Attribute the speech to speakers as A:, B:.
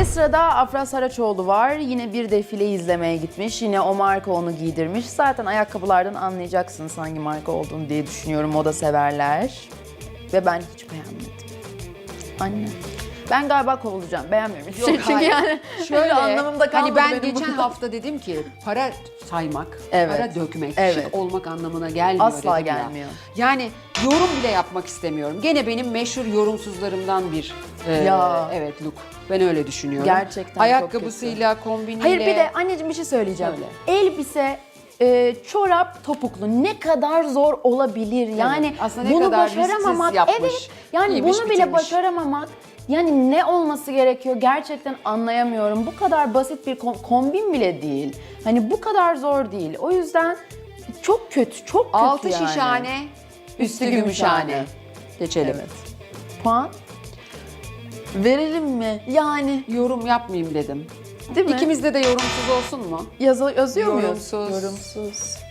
A: Ve sırada Afra Saraçoğlu var. Yine bir defile izlemeye gitmiş. Yine o marka onu giydirmiş. Zaten ayakkabılardan anlayacaksınız hangi marka olduğunu diye düşünüyorum. Moda severler. Ve ben hiç beğenmedim. Anne. Ben galiba kovulacağım. Beğenmiyorum hiçbir şey. Çünkü
B: hayır.
A: yani
B: Şöyle,
A: anlamımda kalmadı
B: hani ben
A: benim
B: geçen
A: burada.
B: hafta dedim ki para saymak,
A: Evet.
B: para dökmek,
A: Evet.
B: şık olmak anlamına gelmiyor
A: Asla
B: dedim ya.
A: gelmiyor.
B: Yani yorum bile yapmak istemiyorum. Gene benim meşhur yorumsuzlarımdan bir
A: Ya.
B: evet look. Ben öyle düşünüyorum.
A: Gerçekten çok
B: Ayakkabısıyla, kombiniyle.
A: Hayır bir de anneciğim bir şey söyleyeceğim. Elbise, çorap, topuklu ne kadar zor olabilir. Yani
B: Aslında ne
A: bunu
B: kadar risksiz
A: başaramamak.
B: yapmış,
A: Evet. Yani
B: giymiş,
A: bunu bile
B: bitirmiş.
A: başaramamak. Yani ne olması gerekiyor gerçekten anlayamıyorum. Bu kadar basit bir kombin bile değil. Hani bu kadar zor değil. O yüzden çok kötü, çok kötü
B: Altı
A: yani.
B: şişhane, üstü
A: gümüşhane.
B: gümüşhane. Geçelim.
A: Evet. Puan? Verelim mi? Yani
B: Yorum yapmayayım dedim.
A: değil mi?
B: İkimizde de yorumsuz olsun mu?
A: Yazıyor muyuz?
B: Yorumsuz.
A: Yorumsuz.